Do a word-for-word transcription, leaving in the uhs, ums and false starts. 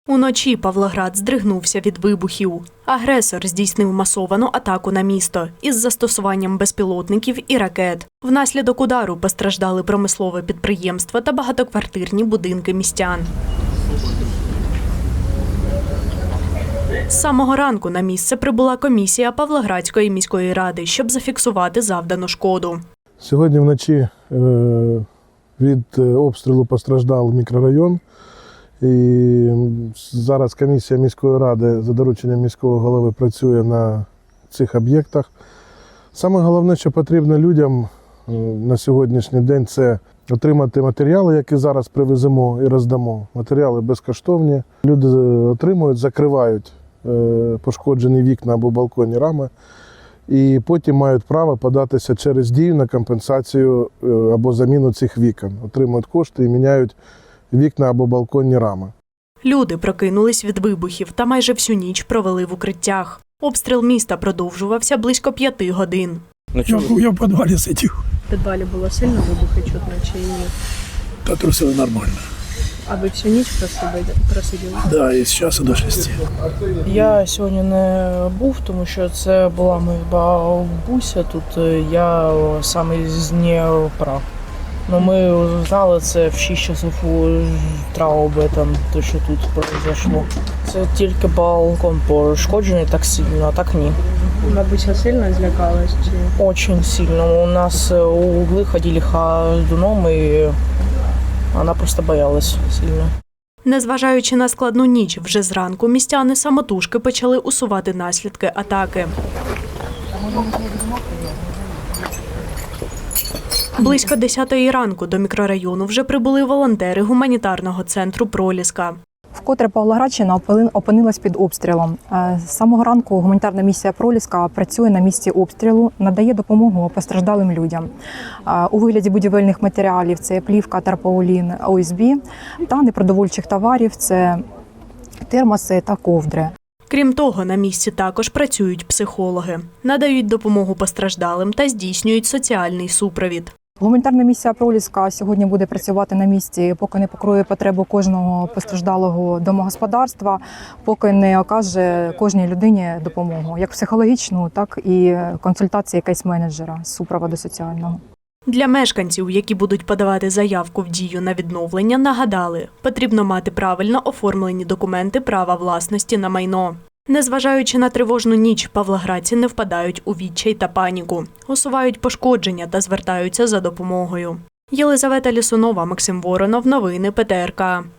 Уночі Павлоград здригнувся від вибухів. Агресор здійснив масовану атаку на місто із застосуванням безпілотників і ракет. Внаслідок удару постраждали промислове підприємство та багатоквартирні будинки містян. З самого ранку на місце прибула комісія Павлоградської міської ради, щоб зафіксувати завдану шкоду. Сьогодні вночі від обстрілу постраждав мікрорайон. І зараз комісія міської ради за дорученням міського голови працює на цих об'єктах. Саме головне, що потрібно людям на сьогоднішній день, це отримати матеріали, які зараз привеземо і роздамо. Матеріали безкоштовні. Люди отримують, закривають пошкоджені вікна або балконні рами. І потім мають право податися через дію на компенсацію або заміну цих вікон. Отримують кошти і міняють вікна або балконні рами. Люди прокинулись від вибухів та майже всю ніч провели в укриттях. Обстріл міста продовжувався близько п'яти годин. Я, я в підвалі сидів. В підвалі було сильно вибухи чутно чи ні? Та трусили нормально. А ви всю ніч просиділи? просиділи? Так, да, і з часу до шести. Я сьогодні не був, тому що це була моя бабуся. Тут я саме з Дніпра. Ну, ми знали це в шість часов утра об этом, то, що тут произошло. Це тільки балкон пошкоджений так сильно, а так ні. Бабуся сильно злякалась? Чи? Очень сильно. У нас угли ходили ходуном, і вона просто боялась сильно. Незважаючи на складну ніч, вже зранку містяни самотужки почали усувати наслідки атаки. Близько десятої ранку до мікрорайону вже прибули волонтери гуманітарного центру «Проліска». Вкотре Павлоградщина опинилась під обстрілом. З самого ранку гуманітарна місія «Проліска» працює на місці обстрілу, надає допомогу постраждалим людям. У вигляді будівельних матеріалів – це плівка, тарпаулін, О Ес Бі та непродовольчих товарів – це термоси та ковдри. Крім того, на місці також працюють психологи, надають допомогу постраждалим та здійснюють соціальний супровід. Гуманітарна місія «Проліска» сьогодні буде працювати на місці, поки не покриє потребу кожного постраждалого домогосподарства, поки не окаже кожній людині допомогу, як психологічну, так і консультації кейс-менеджера з супроводу соціального. Для мешканців, які будуть подавати заявку в дію на відновлення, нагадали, потрібно мати правильно оформлені документи права власності на майно. Незважаючи на тривожну ніч, павлоградці не впадають у відчай та паніку, усувають пошкодження та звертаються за допомогою. Єлизавета Лісунова, Максим Воронов, новини Пе Те Ер Ка.